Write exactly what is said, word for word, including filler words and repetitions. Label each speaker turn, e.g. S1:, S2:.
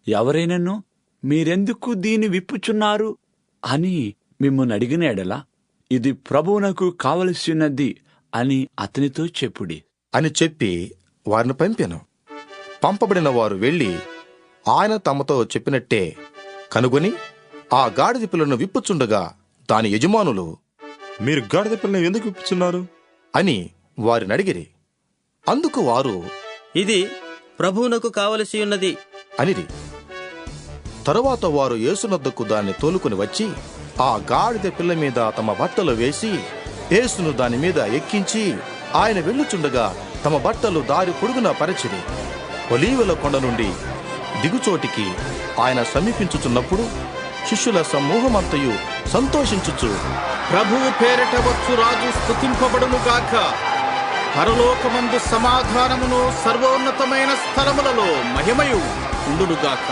S1: ఎవరైనను మీరెందుకు దీని విప్పుచున్నారు అని మిమ్మల్ని అడిగిన ఎడల ఇది ప్రభువునకు కావలసినది అని అతనితో చెప్పుడి
S2: అని చెప్పి వారిని పంపాను. పంపబడిన వారు వెళ్లి ఆయన తమతో చెప్పినట్టే కనుగొని ఆ గాడిద పిల్లను విప్పుచుండగా దాని యజమానులు,
S3: మీరు గాడిద పిల్లను ఎందుకు విప్పుచున్నారు
S2: అని వారిని అడిగిరి. అందుకు వారు,
S4: ఇది ప్రభువునకు కావలసి ఉన్నది
S2: అనిరి. తరువాత వారు యేసునొద్దకు దాన్ని తోలుకుని వచ్చి ఆ గాడిద పిల్ల మీద తమ బట్టలు వేసి యేసును దాని మీద ఎక్కించి ఆయన వెళ్ళుచుండగా తమ బట్టలు దారి పొడుగున పరిచిరి. ఒలీవల కొండ నుండి దిగుచోటికి ఆయన సమీపించుచున్నప్పుడు శిష్యుల సమూహమంతయు సంతోషించుచు,
S5: ప్రభువు పేరిట వచ్చు రాజు స్తుతింపబడును గాక, పరలోకమందు సమాధానమును సర్వోన్నతమైన స్థలములలో మహిమయు ఉండును గాక.